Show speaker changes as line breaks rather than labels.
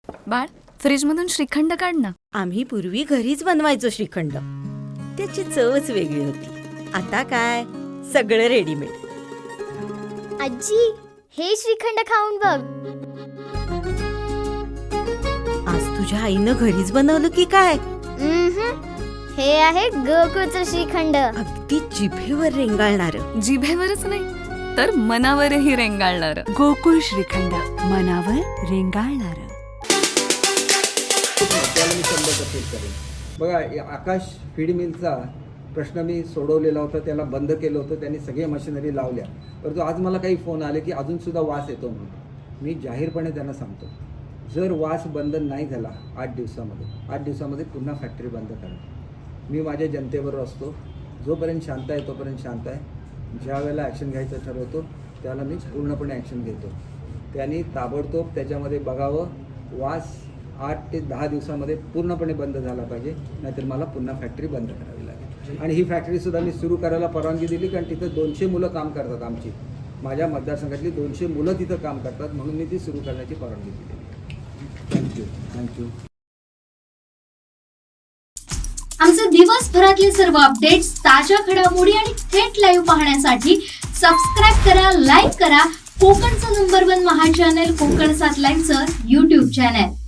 बाळ, फ्रीजमधून श्रीखंड काढ ना.
आम्ही पूर्वी घरीच बनवायचो श्रीखंड. त्याची चवच वेगळी होती. आता काय सगळं रेडीमेड.
आजी, हे श्रीखंड खाऊन बघ.
आज तुझ्या आईनं घरीच बनवलं की काय?
हे आहे गोकुळचं श्रीखंड.
अगदी जिभेवर रेंगाळणार.
जिभेवरच नाही तर मनावरही रेंगाळणार.
गोकुळ श्रीखंड, मनावर रेंगाळणार.
त्याला मी 100% करेन. बघा, आकाश फीड मिलचा प्रश्न मी सोडवलेला होता, त्याला बंद केलं होतं, त्यांनी सगळे मशिनरी लावल्या. परंतु आज मला काही फोन आले की अजूनसुद्धा वास येतो म्हणून. मी जाहीरपणे त्यांना सांगतो, जर वास बंद नाही झाला 8 दिवसामध्ये पुन्हा फॅक्टरी बंद करा. मी माझ्या जनतेबरोबर असतो. जोपर्यंत शांत आहे तोपर्यंत शांत आहे. ज्या वेळेला ॲक्शन घ्यायचं ठरवतो त्याला मी पूर्णपणे ॲक्शन घेतो. त्यांनी ताबडतोब त्याच्यामध्ये बघावं. वास 8 ते 10 दिवसामध्ये पूर्णपणे बंद झाला पाहिजे, नाहीतर मला पुन्हा फॅक्टरी बंद करावी लागेल. आणि ही फॅक्टरीसुद्धा मी सुरू करायला परवानगी दिली, कारण तिथं 200 मुलं काम करतात. आमची माझ्या मतदारसंघातली 200 मुलं तिथं काम करतात, म्हणून मी ती सुरू करण्याची परवानगी दिली. थँक्यू.
आमचे दिवसभरातले सर्व अपडेट्स, ताज्या घडामोडी आणि थेट लाईव्ह पाहण्यासाठी सबस्क्राईब करा, लाईक करा कोकणचं नंबर 1 महा चॅनल कोकण 7 लाईव्हचं YouTube चॅनल.